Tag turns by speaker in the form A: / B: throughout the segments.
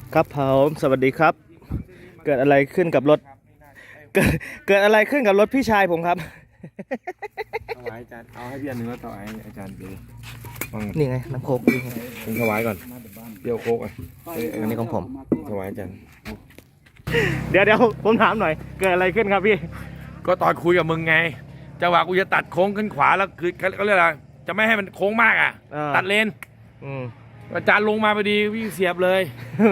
A: ครับผมสวัสดีครับเกิดอะไรขึ้นกับรถเกิดอะไรขึ้นกับรถพี่ชายผมครับ
B: ถวายอาจารย์เอาให้พี่อันหนึ่งแล้วถวายอาจารย์ดู
A: นี่ไงน้ำโคกนี่ไง
B: ผมถวายก่อนเดี๋ยวโคก
A: อันนี้ของผม
B: ถวายอาจารย์
A: เดี๋ยวผมถามหน่อยเกิดอะไรขึ้นครับพี่
B: ก็ตอนคุยกับมึงไงจังหวะกูจะตัดโค้งขึ้นขวาแล้วคือเขาเรียกอะไรจะไม่ให้มันโค้งมากอ่ะตัดเลนอาจารย์ลงมาพอดีวิ่งเสียบเลย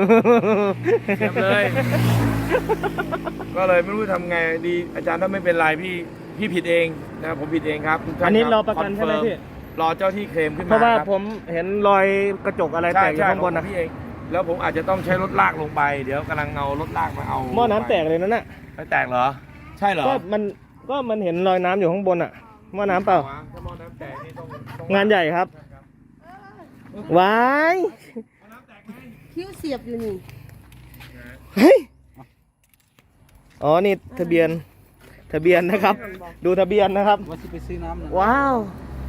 B: ก็เลยไม่รู้ทำไงดีอาจารย์ถ้าไม่เป็นไรพี่ผิดเองนะผมผิดเองครับ
A: อันนี้รอประกันใช่ไหมพี่
B: รอเจ้าที่เคลมขึ้นมา
A: เพราะว่าผมเห็นรอยกระจกอะไรแตกอยู่ข้างบนนะ
B: พี่เองแล้วผมอาจจะต้องใช้รถลากลงไปเดี๋ยวกำลังเอารถลากมาเอา
A: หม้อน้ำแตกเลยนั่นน่ะ
B: ไม่แตกเหรอใช่เหรอ
A: ก็มันเห็นรอยน้ำอยู่ข้างบนอ่ะหม้อน้ำเปล่า
B: ถ้าหม้อน้ำแตกนี่ต้อง
A: งานใหญ่ครับว้าย
C: คิ้วเสียบอยู่นี่
A: เฮ้ยอ๋อนี่ทะเบียนนะครับดูทะเบียนนะครับ
D: ว่าจะไปซื้อน้ำ
A: ว้าว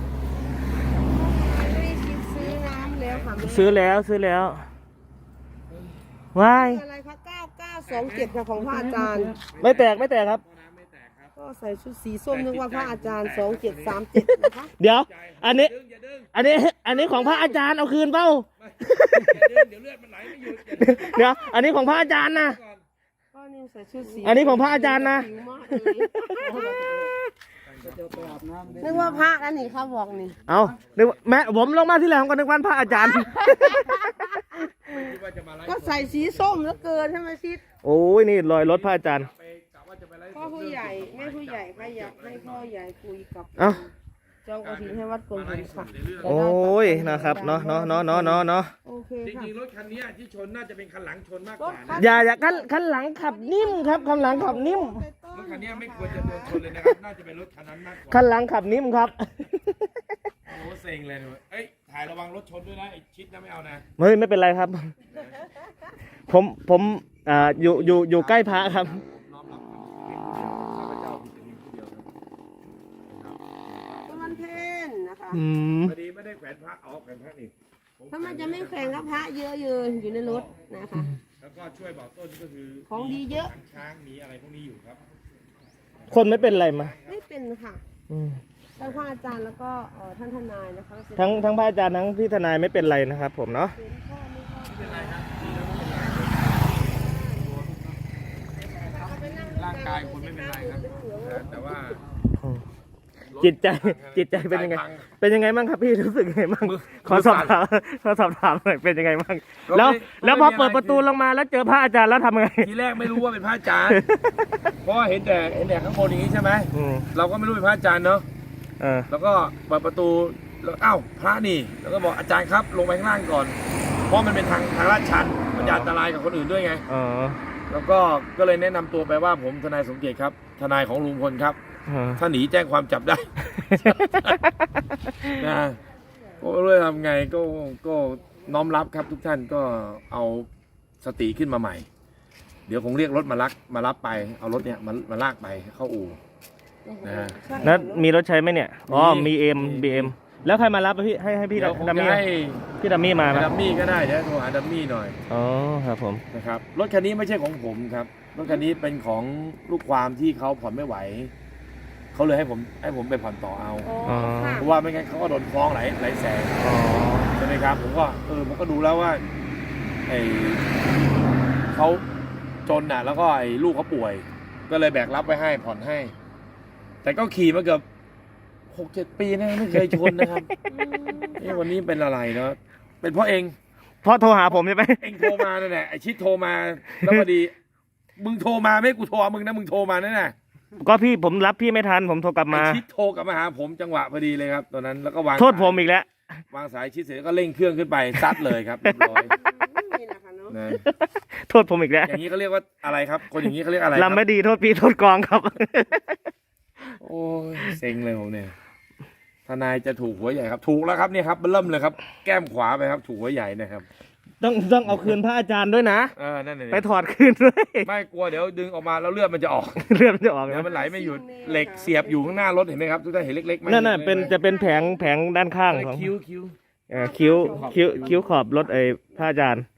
C: ไม่คิดซื้อน้ำแล้วค่ะ
A: ซื้อแล้วว้าย
C: อะไรคะ9927ค่ะของพระอาจารย์
A: ไม่แตกครับ
C: ก็ใส่ชุดสีส้มนึกว่าพระอาจารย์2737นะคะ
A: เดี๋ยวอันนี้ของพระอาจารย์เอาคืนเปล่า
B: เดี๋ยวเลือดมันไหลไม่หยุด
A: เดี๋ยวอันนี้ของพระอาจารย์นะ
C: ก็นี่ใส่ชุดสี
A: อันนี้ของพระอาจารย์นะ
C: นึกว่าพระนั่นนี่เขาบอกนี่
A: เอานึกแม่ผมลงมาที่แหลมก็นึกว่าพระอาจารย์
C: ก็ใส่สีส้มแล้วเกินใช่ไหมชิด
A: โอ้ยนี่รอยรถพระอาจารย์
C: พ่อผู้ใหญ่แม่ผู้ใหญ่ใครอยากให้พ่อใหญ่คุยกับเจ้ากระถิ่นให้วัดกงหินค่ะ
A: โอ้ยนะครับเนาะ
C: โอเค
B: จ
C: ค่ะ
B: ริงๆรถคันนี้ที่ชนน่าจะเป็นคันหลังชนมากกว่า
A: อย่าคันหลังขับนิ่มครับคันหลังขับนิ่ม
B: รถคันนี้ไม่ควรจะโดนชนเลยนะครับน่าจะเป็นรถคันนั้นมากกว่า
A: คันหลังขับนิ่มครับ
B: โอ้เซ็งเลยเอ้ยถ่ายระวังรถชนด้วยนะไอ้ชิดนะไม่เอานะ
A: ไม่เป็นไรครับผมอยู่ใกล้พระครับ
B: พอดีไม่ได้แขวนพระแขวนพระนี่
C: ถ้ามันจะไม่แขวนก็พระเยอะอยู่ในรถนะคะ
B: แล้วก็ช่วยบอกต้นก็คือ
C: ของดีเยอะ
B: ช้างมีอะไรพวกนี้อยู่ครับ
A: คนไม่เป็นไรมา
C: ไม่เป็นค่ะทั้งพระอาจารย์แล้วก็ท่านทนายนะคะ
A: ทั้งพระอาจารย์ทั้งพี่ทนายไม่เป็นไรนะครับผมเนาะ
B: ไม่เป็นไรครับร่างกายคุณไม่เป็นไรครับแต่ว่า
A: จิตใจเป็นยังไงบ้างครับพี่รู้สึกยังไงบ้างขอสอบถามหน่อยเป็นยังไงบ้างแล้วพอเปิดประตูลงมาแล้วเจอพระอาจารย์แล้วทำไง
B: ทีแรกไม่รู้ว่าเป็นพระอาจารย์เพราะเห็นแต่ข้างบนอย่างนี้ใช่ไหมเราก็ไม่รู้เป็นพระอาจารย์เนาะแล้วก็เปิดประตูแล้วอ้าวพระนี่แล้วก็บอกอาจารย์ครับลงไปข้างล่างก่อนเพราะมันเป็นทางลาดชันมันอันตรายกับคนอื่นด้วยไงแล้วก็เลยแนะนำตัวไปว่าผมทนายสมเกียรติครับทนายของลุงพลครับถ้าหนีแจ้งความจับได้นะก็เรื่องทำไงก็น้อมรับครับทุกท่านก็เอาสติขึ้นมาใหม่เดี๋ยวคงเรียกรถมารับไปเอารถเนี่ยมาลากไปเข้าอู่นะฮะ
A: แล้วมีรถใช้ไหมเนี่ยอ๋อมีBMแล้วใครมารับพี่ให้พี่ดัมมี่มา
B: ดัมมี่ก็ได้เดี๋ยวโทรหาดัมมี่หน่อย
A: อ๋อครับผม
B: นะครับรถคันนี้ไม่ใช่ของผมครับรถคันนี้เป็นของลูกความที่เขาผ่อนไม่ไหวเขาเลยให้ผมไปผ่อนต่อเอาเพราะว่าไม่งั้นเขาก็โดนฟ้องหลายแสนใช่ไหมครับผมก็ดูแล้วว่าเขาจนน่ะแล้วก็ลูกเขาป่วยก็เลยแบกรับไว้ให้ผ่อนให้แต่ก็ขี่มาเกือบ6-7 ปีนะไม่เคยชนนะครับวันนี้เป็นอะไรเนาะเป็นเพราะเอง
A: เพราะโทรหาผมใช่ไหม
B: เองโทรมาเนี่ยไอชิดโทรมาแล้วพอดีมึงโทรมาไม่กูโทรมึงนะมึงโทรมานั่นน่ะ
A: ก็ผมรับพี่ไม่ทันผมโทรกลับมา
B: ชิดโทรกลับมาหาผมจังหวะพอดีเลยครับตอนนั้นแล้วก็วาง
A: โทษผมอีกแล้ว
B: วางสายชิดเสร็จก็เร่งเครื่องขึ้นไปซัดเลยครับเรียบร้อย
A: โทษผมอีกแล้ว
B: อย่างนี้เขาเรียกว่าอะไรครับคนอย่างนี้เขาเรียกอะไร
A: ลำไม่ดีโทษพี่โทษกองครับ
B: โอ้ยเซ็งเลยผมเนี่ยทนายจะถูกหัวใหญ่ครับถูกแล้วครับเนี่ยครับเริ่มเลยครับแก้มขวาไปครับถูกหัวใหญ่นะครับ
A: ต้องเอาคืนพระอาจารย์ด้วยนะ
B: นั่นเอง
A: ไปถอดคืนด้วย
B: ไม่กลัวเดี๋ยวดึงออกมาแล้วเลือดมันจะออก
A: เดี๋ยว
B: มันไหลไม่หยุดเหล็กเสียบอยู่ข้างหน้ารถเห็นไหมครับทุกท่านเห็นเล็กๆไหม
A: นั่นจะเป็นแผงด้านข้างของ
B: คิ้ว
A: ขอบรถพระอาจารย์
B: พี่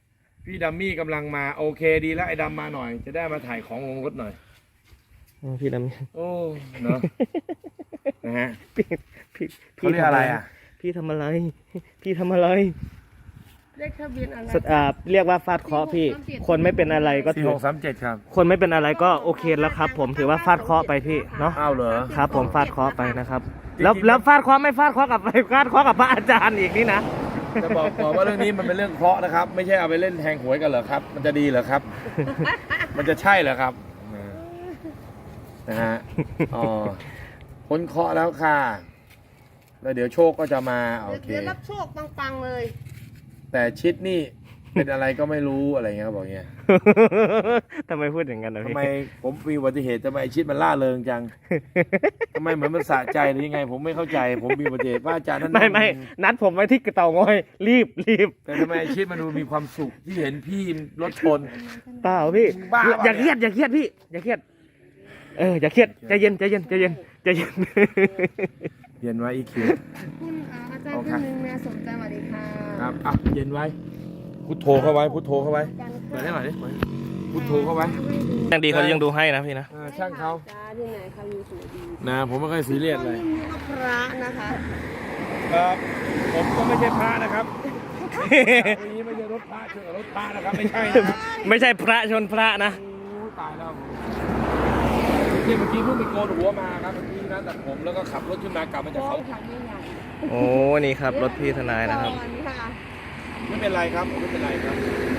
B: พี่ดัมมี่กำลังมาโอเคดีแล้วไอ้ดำมาหน่อย จะได้มาถ่ายของลงรถหน่อย
A: พี่ด
B: โอ้เนาะนะฮะ
A: ำพี่
B: เขาเรียกอะไรอ่ะ
A: พี่ทำอะไร พี่ทำอะไร
C: เลขทะเบียนอะไร
A: เรียกว่าฟาดเคราะห์พี่ คนไม่เป็นอะไรก็ถือ
B: 4637ครับ
A: คนไม่เป็นอะไรก็โอเคแล้วครับ ผมถือว่าฟาดเคราะห์ไปพี่เนาะ
B: อ้าวเหรอ
A: ครับ ผมฟาดเคราะห์ไปนะครับ แล้วฟาดเคราะห์ไม่ฟาดเคราะห์กับฟาดเคราะห์กับพระอาจารย์อีกนี่นะ
B: จะบอกว่าเรื่องนี้มันเป็นเรื่องเคราะห์นะครับ ไม่ใช่เอาไปเล่นแทงหวยกันเหรอครับ มันจะดีเหรอครับ มันจะใช่เหรอครับนะฮะอ๋อพ้นเคราะห์แล้วค่ะแล้วเดี๋ยวโชคก็จะมาโอเค
C: เดี๋ยวรับโชคปังๆเลย
B: แต่ชิดนี่เป็นอะไรก็ไม่รู้อะไรเงี้ยเขาบอกเงี้ย
A: ทำไมพูดอย่างนั้นนะ
B: ทำ
A: พี่
B: ไมผมมีอุบัติเหตุทำไมไอ้ชิดมันล่าเริงจังทำไมเหมือนมันสะใจหรือยังไง ผมไม่เข้าใจ ผมมีอุบัติเหตุว่าอาจารย์ท่าน
A: ไม่นัดผมไว้ที่เต่างอยรีบ
B: แต่ทำไมไอ้ชิดมันดูมีความสุขที่เห็นพี่รถชน
A: เปล่าพี่
B: บ้า
A: อย่าเครียดพี่อย่าเครียดอย่าเครียดใจเย็น
B: เย็นไว้อีคิว
C: คุณอาจารย์ท่านหนึ่งนะสมใจสวัสดีค่ะ
B: ครับอ่ะเย็นไว้พุทโธเข้าไว้พุทโธเข้าไว้เปิดได้หน่อยดิพุทโธเข้าไว้
A: ยังดีเขายังดูให้นะพี่นะ
B: ช่างเขา
C: จ้าที่ไหนเขาอยู่สวยดี
B: นะผมไม่ค่อยซีเรียสเลย
C: นี่ก็พระนะคะ
B: ครับผมก็ไม่ใช่พระนะครับวันนี้ไม่ใช่รถพระเชื่อรถพระนะครับไม่ใช่นะครับ
A: ไม่ใช่พระชนพระนะ
B: โอ้ตายแล้วนี่เมื่อกี้เพิ่งไปโกนหัวมาครับเมื่อกี้นะตัดผมแล้วก็ขับรถขึ้นมากลับมาจาก
C: ฟ้อ
B: เขา
C: งขับไม่ใหญ่
A: โอ้นี่ครับรถพี่ทนายนะครับ
C: ก่อนค่ะ
B: ไม่เป็นไรครับไม่เป็นไรครับ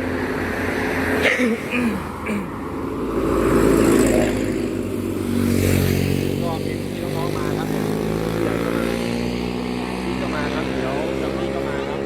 B: ก็มีน้องๆมาครับผู้ใหญ่ก็มาพี่ก็มาครับเดี๋ยวจะมีก็มาครับ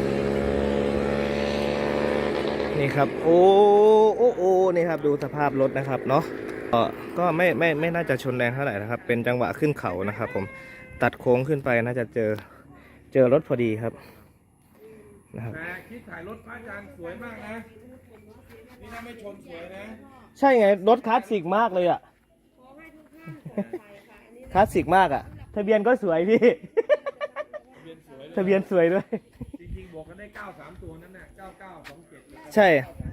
A: นี่ครับโอ้นี่ครับดูสภาพรถนะครับเนาะก็ไม่น่าจะชนแรงเท่าไหร่นะครับ เป็นจังหวะขึ้นเขานะครับ ผมตัดโค้งขึ้นไปน่าจะเจอรถพอดีครับนะครับ
B: แต่คิดถ่ายรถพระอาจารย์สวยมากนะนี่ถ้าไม่ชนสวยนะ
A: ใช่ไงรถคลาสสิกมากเลยอ่ะคลาสสิกมากอ่ะทะเบียนก็สวยพี่ ทะเบียนสวยด้วย
B: จริงๆบอกกันได้93ตัวนั่นน่ะ9927
A: ใช่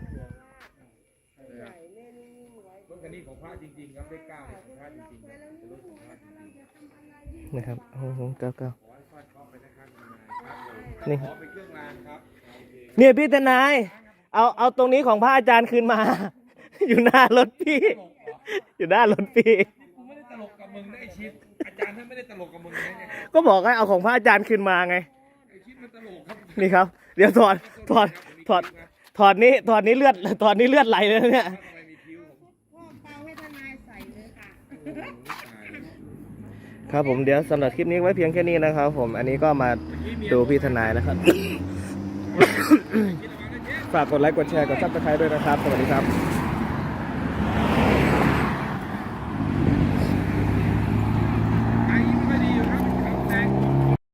B: รถคันนี้ของพระจริงๆครับได้9ของพระจริงๆครับเป็นรถของพระจริงๆ
A: นะครับโอ้โหเก้า
B: ขอให้ฟาดเคราะห์ไปนะครับ
A: นี่
B: ขอไปเครื่องรางครับโอเค
A: เนี่ยพี่ทนายเอาตรงนี้ของพระอาจารย์คืนมา อยู่หน้ารถพี่ อยู่หน้ารถพี่
B: กูไม่ได้ตลกกับมึงนะไอชิดอาจารย์ท่านไม่ได้ตลกกับมึงนะเนี่ย
A: ก็บอกให้เอาของพระอาจารย์คืนมาไง
B: ไอชิดมันตลกครับ
A: นี่ครับ เดี๋ยวถอดนี้เลือดไหลเลยเนี่ย
B: ทำไมมีคิ้วผม
C: พ่อเปาให้ทนายใส่เลยค่ะ
A: ครับผมเดี๋ยวสำหรับคลิปนี้ไว้เพียงแค่นี้นะครับ ผมอันนี้ก็มาดูพี่ทนายนะครับ ฝากกดไลค์กดแชร์กดซับสไครต์ด้วยนะครับสวัสดีครับ